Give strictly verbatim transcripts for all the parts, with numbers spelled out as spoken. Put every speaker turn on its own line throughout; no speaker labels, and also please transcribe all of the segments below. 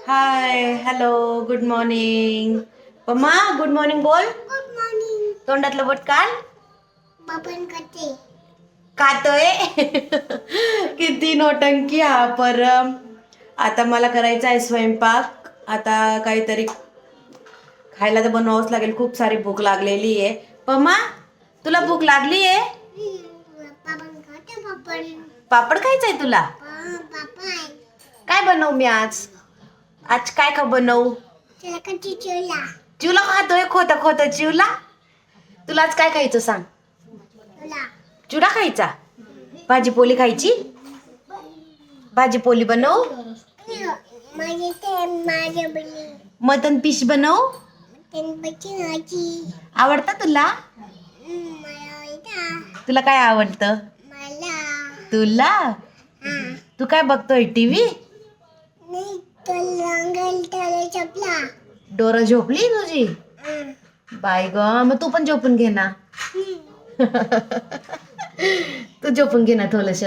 हाय hello good morning. Pamma good morning बोल.
Good morning.
तोंडातलं बोट काढ.
बाबन करते.
खातोय. किती नोटंकी हा परम. आता मला करायचा आहे स्वयंपाक. आता काहीतरी खायला तर बनवावंच लागेल. खूप सारी भूक लागलेली आहे. पम्मा तुला भूक लागली आहे.
बाबन करते बाबन.
पापड खायचंय तुला.
पापा
काय बनवू मी आज. आज काय खा बनवू.
त्याला कधी चिवला.
चिवला खातोय खोत खोत चिवला. तुला आज काय खायचं सांग.
तुला
चिवडा खायचा. भाजी पोळी खायची. भाजी पोळी बनव.
माझे ते माझे बनी
मटन फिश बनव.
तीन बच्ची नाची
आवडतं तुला.
मला आवडता.
तुला काय आवडतं.
मला
तुला
हा
तू काय बघतोय टीव्ही.
नाही तर रंगल त्याला चपला.
डोरं झोपली तुझी. बाय ग मग तू पण झोपून घे ना. तू झोपून घे ना थोडस.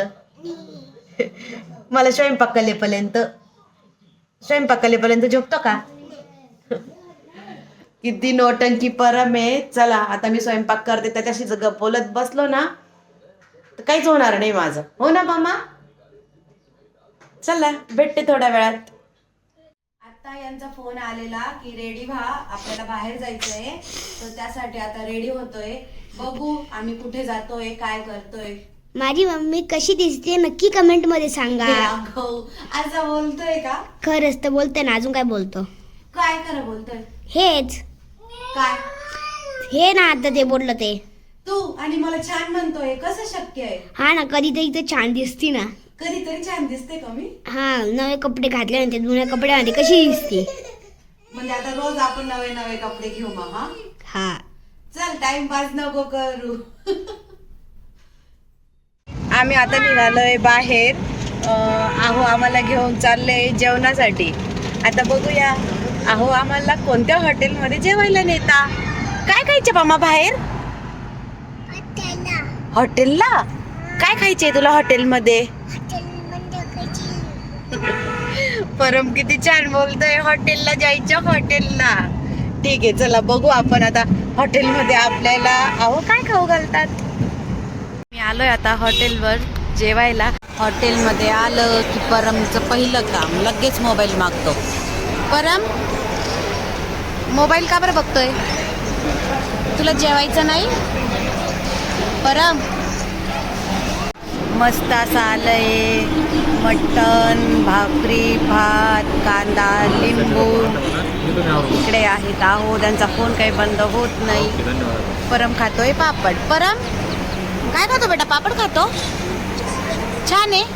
मला स्वयंपाक कलेपर्यंत स्वयंपाक कलेपर्यंत झोपतो का. किती नोटंकी परम आहे. चला आता मी स्वयंपाक करते. त्याच्याशी जर गप्प बोलत बसलो ना तर काहीच होणार नाही माझं. हो ना मामा. चला भेटते थोड्या वेळात. आता यांचा फोन आलेला की रेडी व्हा आपल्याला बाहेर जायचंय. तर त्यासाठी आता रेडी होतोय. बघू आम्ही कुठे जातोय काय करतोय.
माझी मम्मी कशी दिसते नक्की कमेंट मध्ये सांगा.
असं बोलतोय का.
खरंच तर बोलते ना. अजून काय बोलतो.
काय खरं बोलतोय.
हेच
काय
हे ना आता ते बोललं ते.
तू आणि मला छान म्हणतोय कसं शक्य आहे.
हा ना कधीतरी तर छान दिसती ना.
कधीतरी छान दिसते का मी.
हा नवे कपडे घातले म्हणते जुन्या कपड्यामध्ये कशी दिसते.
म्हणजे आता रोज आपण नवे नवे कपडे घेऊ मामा.
हा
चल टाइमपास नको करू. आम्ही आता निघालोय बाहेर. अहो आम्हाला घेऊन चाललंय जेवणासाठी. आता बघूया अहो आम्हाला कोणत्या हॉटेलमध्ये जेवायला नेता. काय खायचे मामा बाहेर. हॉटेलला काय खायचे तुला हॉटेलमध्ये. परम किती छान बोलतोय. हॉटेलला जायचं हॉटेलला. ठीक आहे चला बघू आपण आता हॉटेलमध्ये आपल्याला अहो काय खाऊ घालतात. मी आलोय आता हॉटेलवर जेवायला. हॉटेलमध्ये आलं की परमचं पहिलं काम लगेच मोबाईल मागतो. परम मोबाईल का बरं बघतोय. तुला जेवायचं नाही. परम मस्त असं आलंय मटण भाकरी भात कांदा लिंबू इकडे आहेत. आहो त्यांचा फोन काही बंद होत नाही. परम खातोय पापड. परम काय खातो बेटा. पापड खातो. छान आहे.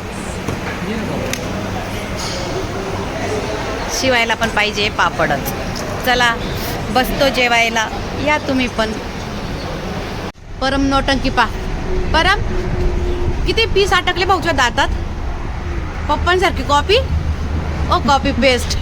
शिवायला पण पाहिजे पापडच. चला बसतो जेवायला या तुम्ही पण. परम नोटंकी पा. परम किती पीस अटकले भाऊच्या दातात. पप्पांसारखी कॉपी. Oh copy paste.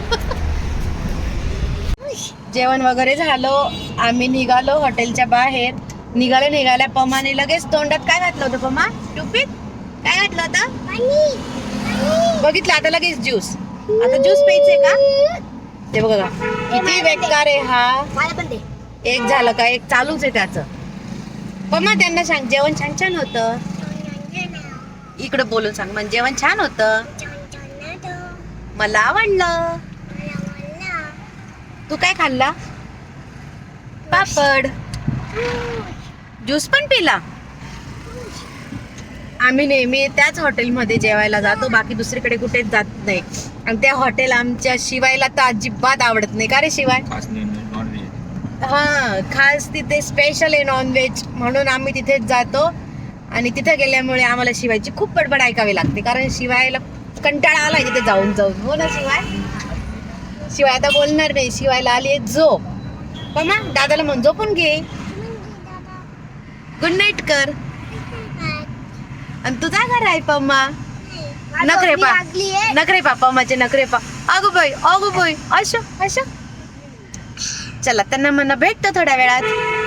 जेवण वगैरे झालं. आम्ही निघालो हॉटेलच्या बाहेर. निघाले निघाल्या पमाने लगेच तोंडात काय घातलं होतं पमा. टुपीत काय घातलं होतं. बघितलं आता लगेच ज्यूस. आता ज्यूस प्यायचंय का. ते बघा किती बेकार आहे हा. एक झालं का एक चालूच आहे त्याचं. पमा त्यांना सांग जेवण छान छान होतं. इकडं बोलून सांग म्हणजे जेवण छान होतं. मला आवडलं. तू काय खाल्ला. पापड. ज्यूस पण पिला. आम्ही नेहमी त्याच हॉटेलमध्ये जेवायला जातो. बाकी दुसरीकडे कुठेच जात नाही. आणि त्या हॉटेल आमच्या शिवायला तर अजिबात आवडत नाही. का रे शिवाय. हा खास तिथे स्पेशल आहे नॉनव्हेज म्हणून आम्ही तिथेच जातो. आणि तिथे गेल्यामुळे आम्हाला शिवायची खूप बडबड ऐकावी लागते. कारण शिवायला कंटाळा आलाय तिथे जाऊन जाऊन. हो ना शिवाय. शिवाय आता बोलणार नाही. शिवायला आली आहे झोप. पमा दादाला म्हण झोपून घे. गुड नाईट कर. आणि तुझा घर आहे पम्मा. नखरे पा नखरे पा पम्माचे नखरे पा. अगो बाई अगो बाई अशा अशा. चला त्यांना म्हणा भेटतो थोड्या वेळात.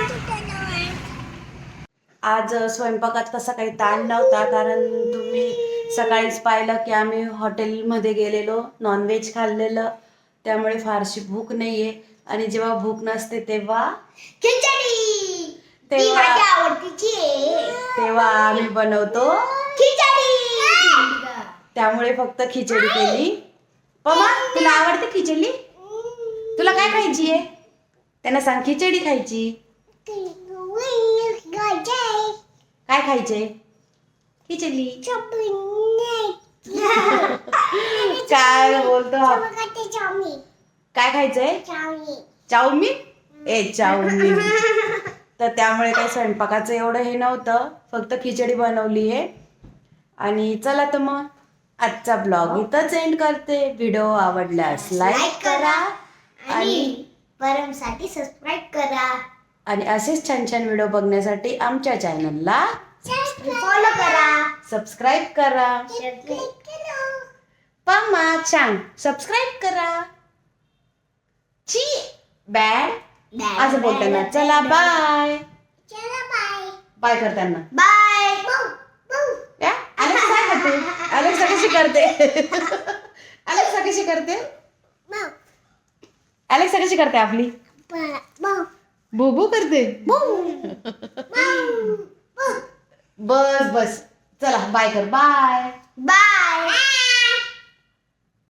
आज स्वयंपाकात कसा काही ताण नव्हता. कारण तुम्ही सकाळीच पाहिलं की आम्ही हॉटेलमध्ये गेलेलो नॉनव्हेज खाल्लेलं. त्यामुळे फारशी भूक नाहीये. आणि जेव्हा भूक नसते तेव्हा
खिचडी ती
तेव्हा
माझी आवडतीची आहे.
तेव्हा आम्ही बनवतो
खिचडी.
त्यामुळे फक्त खिचडी केली. पमा तुला आवडते खिचडी? तुला काय खायची आहे? त्यांना सांग खिचडी खायची. काय खायचे? खिचडी. काय बोलतो हा? काय खायचंय? चाऊमीन. ए चाऊमीन. तर त्यामुळे काही स्वयंपाकाचं एवढं हे नव्हतं, फक्त खिचडी बनवली आहे. आणि चला तर मग आजचा ब्लॉग इथंच एंड करते. व्हिडिओ आवडल्यास लाईक करा आणि
परमसाठी सबस्क्राईब करा
आणि असेच छान छान व्हिडिओ बघण्यासाठी आमच्या चॅनलला
फॉलो करा.
सबस्क्राईब करा. पम्मा छान सबस्क्राईब करा. ची बॅड असं बोलताना. चला बाय. बाय करताना
बाय.
या अलेक्सा काय करते? अलेक्सा कशी करते? अलेक्सा कशी करते? अलेक्सा कशी करते आपली? बुबू करते. बस बस चला बाय कर. Bye
bye.